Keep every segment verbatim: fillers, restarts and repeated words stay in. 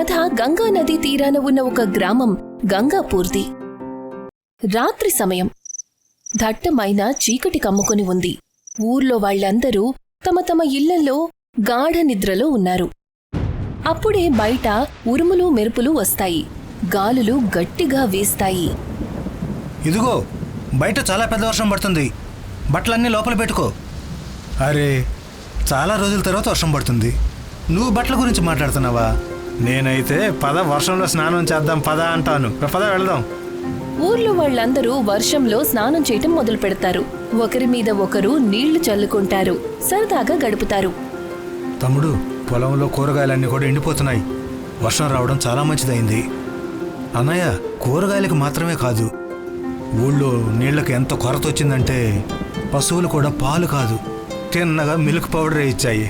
కథ గంగా నదీ తీరాన ఉన్న ఒక గ్రామం గంగాపూర్ది. రాత్రి సమయం. దట్టమైన చీకటి కమ్ముకుని ఉంది. ఊర్లో వాళ్లందరూ తమ తమ ఇళ్లలో గాఢ నిద్రలో ఉన్నారు. అప్పుడే బయట ఉరుములు మెరుపులు వస్తాయి. గాలులు గట్టిగా వీస్తాయి. ఇదిగో బయట చాలా పెద్ద వర్షం పడుతుంది, బట్టలన్నీ లోపల పెట్టుకో. అరే, చాలా రోజుల తర్వాత వర్షం పడుతుంది, నువ్వు బట్టల గురించి మాట్లాడుతున్నావా? నేనైతే పద వర్షంలో స్నానం చేద్దాం పద అంటాను. పద వెళదాం. ఊర్లో వాళ్లందరూ వర్షంలో స్నానం చేయటం మొదలు పెడతారు. ఒకరి మీద ఒకరు నీళ్లు చల్లుకుంటారు, సరదాగా గడుపుతారు. తమ్ముడు, పొలంలో కూరగాయలన్నీ కూడా ఎండిపోతున్నాయి. వర్షం రావడం చాలా మంచిదైంది. అన్నయ్య, కూరగాయలకు మాత్రమే కాదు, ఊళ్ళో నీళ్లకు ఎంత కొరత వచ్చిందంటే పశువులు కూడా పాలు కాదు, తిన్నగా మిల్క్ పౌడరే ఇచ్చాయి.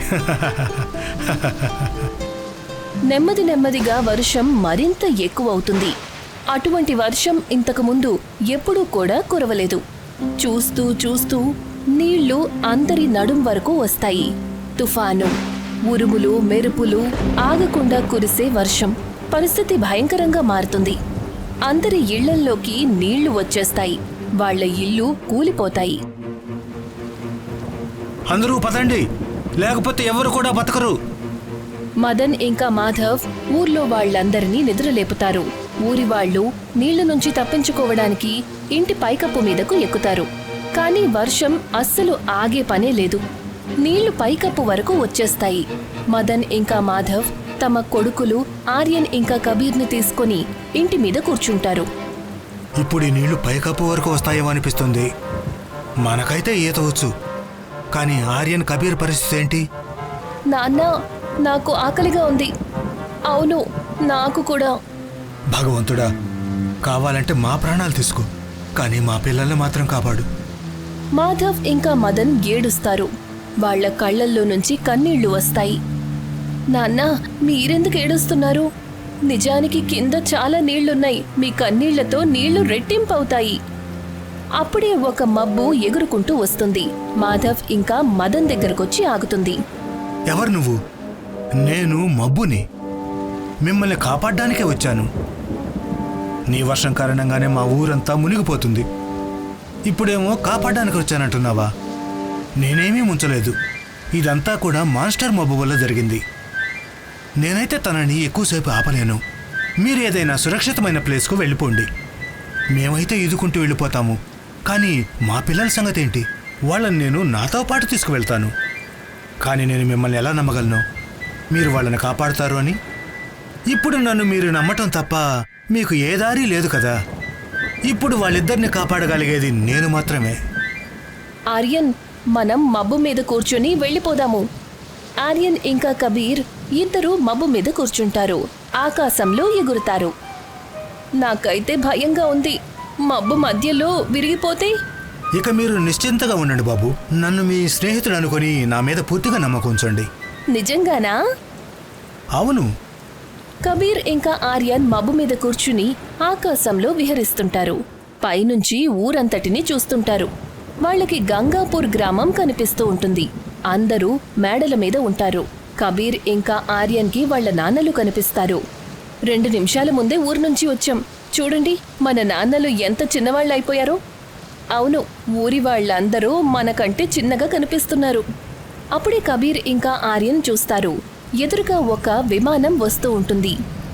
నెమ్మది నెమ్మదిగా వర్షం మరింత ఎక్కువవుతుంది. అటువంటి వర్షం ఇంతకుముందు ఎప్పుడూ కూడా కురవలేదు. చూస్తూ చూస్తూ నీళ్లు అందరి నడుం వరకు వస్తాయి. తుఫాను, ఉరుములు, మెరుపులు, ఆగకుండా కురిసే వర్షం. పరిస్థితి భయంకరంగా మారుతుంది. అందరి ఇళ్లల్లోకి నీళ్లు వచ్చేస్తాయి. వాళ్ల ఇల్లు కూలిపోతాయి. అందరూ పదండి, లేకపోతే ఎవరు కూడా బతకరు. మదన్ ఇంకా మాధవ్ ఊర్లో వాళ్లందరినీ నిద్రలేపుతారు. ఊరి వాళ్లు నీళ్ల నుంచి తప్పించుకోవడానికి ఇంటి పైకప్పు మీదకు ఎక్కుతారు. కాని వర్షం అస్సలు ఆగే పనే లేదు. నీళ్లు పైకప్పు వరకు వచ్చేస్తాయి. మదన్ ఇంకా మాధవ్ తమ కొడుకులు ఆర్యన్ ఇంకా కబీర్ని తీసుకుని ఇంటి మీద కూర్చుంటారు. ఇప్పుడు ఈ నీళ్లు పైకప్పు వరకు వస్తాయేమో అనిపిస్తుంది. మనకైతే ఈత వచ్చు, కానీ ఆర్యన్, కబీర్ పరిస్థితి ఏంటి? నాన్న, నాకు ఆకలిగా ఉంది. అవును, నాకు కూడా. భగవంతుడా, కావాలంటే మా ప్రాణాలు తీసుకో, కానీ మా పిల్లల్ని మాత్రం కాపాడు. మాధవ్ ఇంకా మదన్ ఏడుస్తారు. వాళ్ల కళ్లల్లో నుంచి కన్నీళ్లు వస్తాయి. నాన్న, మీరెందుకు ఏడుస్తున్నారు? నిజానికి కింద చాలా నీళ్లున్నాయి. మీ కన్నీళ్లతో నీళ్లు రెట్టింపవుతాయి. అప్పుడే ఒక మబ్బు ఎగురుకుంటూ వస్తుంది. మాధవ్ ఇంకా మదన్ దగ్గరకొచ్చి ఆగుతుంది. ఎవరు నువ్వు? నేను మబ్బుని, మిమ్మల్ని కాపాడ్డానికే వచ్చాను. నీ వర్షం కారణంగానే మా ఊరంతా మునిగిపోతుంది. ఇప్పుడేమో కాపాడ్డానికి వచ్చానంటున్నావా? నేనేమీ ముంచలేదు. ఇదంతా కూడా మాస్టర్ మబ్బు వల్ల జరిగింది. నేనైతే తనని ఎక్కువసేపు ఆపలేను. మీరు ఏదైనా సురక్షితమైన ప్లేస్కు వెళ్ళిపోండి. మేమైతే ఈదుకుంటూ వెళ్ళిపోతాము, కానీ మా పిల్లల సంగతి ఏంటి? వాళ్ళని నేను నాతో పాటు తీసుకువెళ్తాను. కానీ నేను మిమ్మల్ని ఎలా నమ్మగలను, మీరు వాళ్ళని కాపాడుతారు అని? ఇప్పుడు నన్ను మీరు నమ్మటం తప్ప మీకు ఏ దారి లేదు కదా. ఇప్పుడు వాళ్ళిద్దరిని కాపాడగలిగేది నేను మాత్రమే. ఆర్యన్, మనం మబ్బు మీద కూర్చుని వెళ్ళిపోదాము. ఆర్యన్ ఇంకా కబీర్ ఇద్దరూ మబ్బు మీద కూర్చుంటారు. ఆకాశంలో ఎగురుతారు. నాకైతే భయంగా ఉంది. మబ్బు మధ్యలో విరిగిపోతే? ఇక మీరు నిశ్చింతగా ఉండండి బాబు. నన్ను మీ స్నేహితుడు అనుకుని నా మీద పూర్తిగా నమ్మకం ఉంచండి. నిజంగానా? అవును. కబీర్ ఇంకా ఆర్యన్ మబ్బు మీద కూర్చుని ఆకాశంలో విహరిస్తుంటారు. పైనుంచి ఊరంతటిని చూస్తుంటారు. వాళ్ళకి గంగాపూర్ గ్రామం కనిపిస్తూ ఉంటుంది. అందరూ మేడల మీద ఉంటారు. కబీర్ ఇంకా ఆర్యన్కి వాళ్ల నాన్నలు కనిపిస్తారు. రెండు నిమిషాల ముందే ఊరు నుంచి వచ్చాం. చూడండి, మన నాన్నలు ఎంత చిన్నవాళ్ళైపోయారో. అవును, ఊరి వాళ్ళందరూ మనకంటే చిన్నగా కనిపిస్తున్నారు. అప్పుడే కబీర్ ఇంకా ఆర్యన్ చూస్తారు. ఎదురుగా ఒక విమానం వస్తూ ఉంటుంది.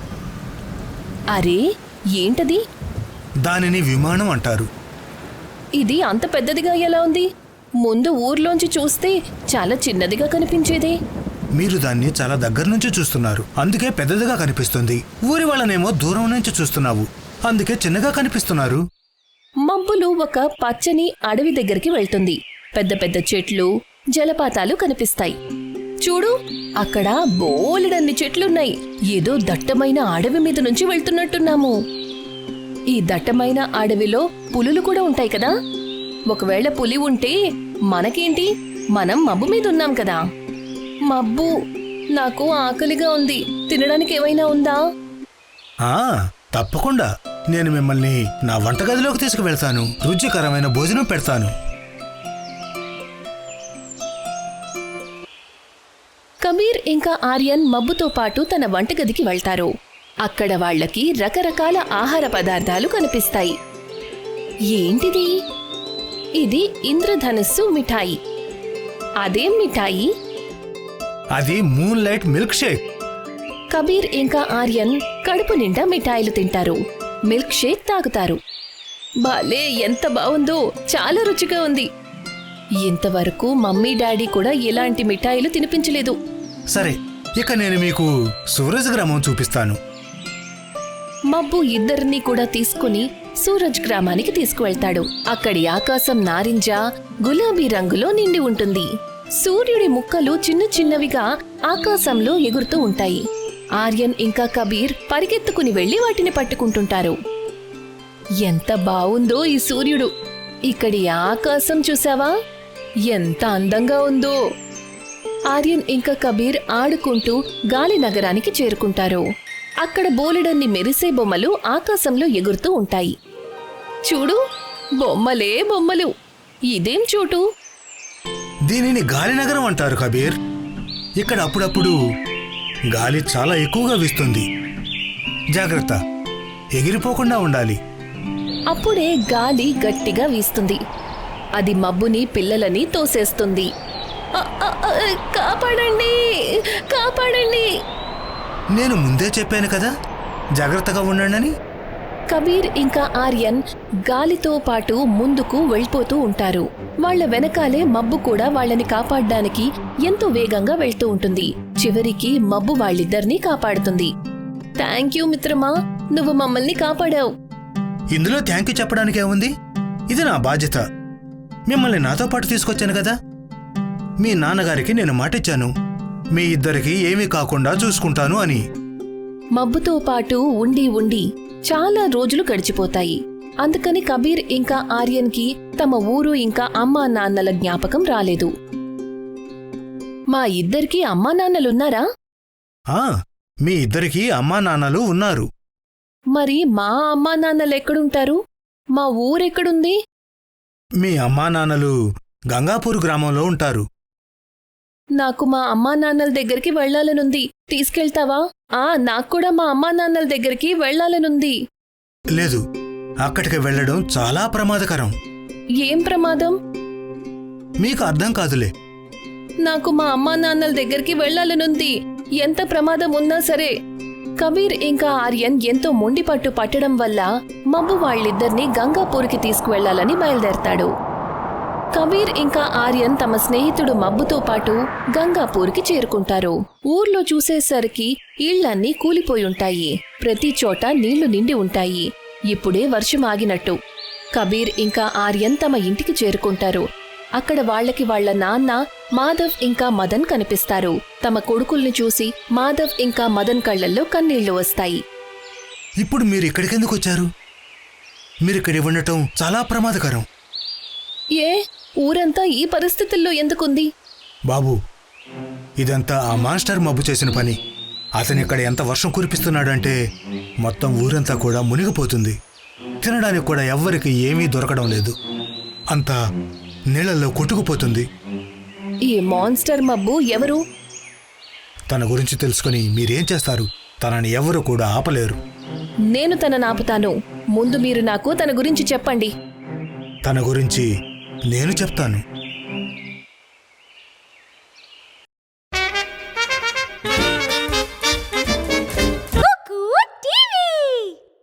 అరే, ఏంటది? దానిని విమానం అంటారు. ఇది అంత పెద్దదిగా ఎలా ఉంది? ముందు ఊర్లోంచి చూస్తే చాలా చిన్నదిగా కనిపించేదే. మీరు దాన్ని చాలా దగ్గర నుంచి చూస్తున్నారు, అందుకే పెద్దదిగా కనిపిస్తుంది. ఊరి వాళ్ళనేమో దూరం నుంచి చూస్తున్నావు, అందుకే చిన్నగా కనిపిస్తున్నారు. మబ్బులు ఒక పచ్చని అడవి దగ్గరికి వెళ్తుంది. పెద్ద పెద్ద చెట్లు, జలపాతాలు కనిపిస్తాయి. చూడు, అక్కడ బోలెడన్ని చెట్లున్నాయి. ఏదో దట్టమైన అడవి మీద నుంచి వెళ్తున్నట్టున్నాము. ఈ దట్టమైన అడవిలో పులులు కూడా ఉంటాయి కదా. ఒకవేళ పులి ఉంటే మనకేంటి? మనం మబ్బు మీద ఉన్నాం కదా. మబ్బు, నాకు ఆకలిగా ఉంది. తినడానికి ఏమైనా ఉందా? ఆ తప్పకుండా. నేను మిమ్మల్ని నా వంటగదిలోకి తీసుకువెళ్తాను. రుచికరమైన భోజనం పెడతాను. కబీర్ ఇంకా ఆర్యన్ మబ్బుతో పాటు తన వంటగదికి వెళ్తారు. అక్కడ వాళ్ళకి రకరకాల ఆహార పదార్థాలు కనిపిస్తాయి. ఏంటిది? ఇది ఇంద్రధనుస్సు మిఠాయి. అదేం మిఠాయి? అది moonlight milkshake. Kabir ఇంకా ఆర్యన్ కడుపు నిండా మిఠాయిలు తింటారు, మిల్క్ షేక్ తాగుతారు. భలే ఎంత బావుందో, చాలా రుచిగా ఉంది. ఇంతవరకు మమ్మీ డాడీ కూడా ఇలాంటి మిఠాయిలు తినిపించలేదు. సరే, ఇక నేను మీకు సూరజ్ గ్రామం చూపిస్తాను. మబ్బు ఇద్దరినీ కూడా తీసుకుని సూరజ్ గ్రామానికి తీసుకువెళ్తాడు. అక్కడి ఆకాశం నారింజ, గులాబీ రంగులో నిండి ఉంటుంది. సూర్యుడి ముక్కలు చిన్న చిన్నవిగా ఆకాశంలో ఎగురుతూ ఉంటాయి. ఆర్యన్ ఇంకా కబీర్ పరిగెత్తుకుని వెళ్లి వాటిని పట్టుకుంటుంటారు. ఎంత బావుందో ఈ సూర్యుడు! ఇక్కడి ఆకాశం చూసావా? ఎంత అందంగా ఉందో! ఆర్యన్ ఇంకా కబీర్ ఆడుకుంటూ గాలి నగరానికి చేరుకుంటారు. అక్కడ బోలెడన్ని మెరిసే బొమ్మలు ఆకాశంలో ఎగురుతూ ఉంటాయి. చూడు, బొమ్మలే బొమ్మలు! ఇదేం చోటు? దీనిని గాలినగరం అంటారు కబీర్. ఇక్కడ అప్పుడప్పుడు గాలి చాలా ఎక్కువగా వీస్తుంది. జాగ్రత్త, ఎగిరిపోకుండా ఉండాలి. అప్పుడే గాలి గట్టిగా వీస్తుంది. అది మబ్బుని పిల్లలని తోసేస్తుంది. అ, అ, అ, కాపాడండి, కాపాడండి! నేను ముందే చెప్పాను కదా, జాగ్రత్తగా ఉండండి. కబీర్ ఇంకా ఆర్యన్ గాలితో పాటు ముందుకు వెళ్ళిపోతూ ఉంటారు. వాళ్ల వెనకాలే మబ్బు కూడా వాళ్ళని కాపాడ్డానికి ఎంతో వేగంగా వెళ్తూ ఉంటుంది. చివరికి మబ్బు వాళ్ళిద్దరినీ కాపాడుతుంది. థ్యాంక్ యూ మిత్రమా, నువ్వు మమ్మల్ని కాపాడావు. ఇందులో థ్యాంక్ యూ చెప్పడానికే ఉంది. ఇది నా బాధ్యత. మిమ్మల్ని నాతో పాటు తీసుకొచ్చాను కదా. మీ నాన్నగారికి నేను మాటిచ్చాను, మీ ఇద్దరికి ఏమీ కాకుండా చూసుకుంటాను అని. మబ్బుతో పాటు ఉండి ఉండి చాలా రోజులు గడిచిపోతాయి. అందుకని కబీర్ ఇంకా ఆర్యన్కి తమ ఊరు ఇంకా అమ్మా నాన్నల జ్ఞాపకం రాలేదు. మా ఇద్దరికీ అమ్మా నాన్నలున్నారా? ఆ, మీ ఇద్దరికీ అమ్మా నాన్నలు ఉన్నారు. మరి మా అమ్మా నాన్నలు ఎక్కడుంటారు? మా ఊరెక్కడుంది? మీ అమ్మా నాన్నలు గంగాపూర్ గ్రామంలో ఉంటారు. నాకు మా అమ్మా నాన్నల దగ్గరికి వెళ్లాలనుంది. తీసుకెళ్తావా? ఆ, నాక్కూడా మా అమ్మా నాన్నల దగ్గరికి వెళ్లాలనుంది. లేదు, అక్కడికి వెళ్లడం చాలా ప్రమాదకరం. ఏం ప్రమాదం? మీకు అర్థం కాదులే. నాకు మా అమ్మా నాన్నల దగ్గరికి వెళ్లాలనుంది, ఎంత ప్రమాదం ఉన్నా సరే. కబీర్ ఇంకా ఆర్యన్ ఎంతో మొండిపట్టు పట్టడం వల్ల మబ్బు వాళ్ళిద్దరినీ గంగాపూర్కి తీసుకువెళ్లాలని బయలుదేరతాడు. కబీర్ ఇంకా ఆర్యన్ తమ స్నేహితుడు మబ్బుతో పాటు గంగాపూర్కి చేరుకుంటారు. ఊర్లో చూసేసరికి ఇళ్లన్నీ కూలిపోయుంటాయి. ప్రతి చోట నీళ్లు నిండి ఉంటాయి. ఇప్పుడే వర్షం ఆగినట్టు. కబీర్ ఇంకా ఆర్యన్ తమ ఇంటికి చేరుకుంటారు. అక్కడ వాళ్లకి వాళ్ల నాన్న మాధవ్ ఇంకా మదన్ కనిపిస్తారు. తమ కొడుకుల్ని చూసి మాధవ్ ఇంకా మదన్ కళ్లల్లో కన్నీళ్లు వస్తాయి. ఇప్పుడు మీరు ఇక్కడికెందుకు వచ్చారు? మీరిక్కడి ఉండటం చాలా ప్రమాదకరం. ఏ, ఊరంతా ఈ పరిస్థితుల్లో ఎందుకుంది? బాబు, ఇదంతా ఆ మాస్టర్ మబ్బు చేసిన పని. అతనిక్కడ ఎంత వర్షం కురిపిస్తున్నాడంటే మొత్తం ఊరంతా కూడా మునిగిపోతుంది. తినడానికి కూడా ఎవ్వరికి ఏమీ దొరకడం లేదు. అంతా నీళ్లలో కొట్టుకుపోతుంది. ఈ మాన్స్టర్ మబ్బు ఎవరు? తన గురించి తెలుసుకుని మీరేం చేస్తారు? తనని ఎవరు కూడా ఆపలేరు. నేను తనని ఆపుతాను. ముందు మీరు నాకు తన గురించి చెప్పండి. తన గురించి నేను చెప్తాను.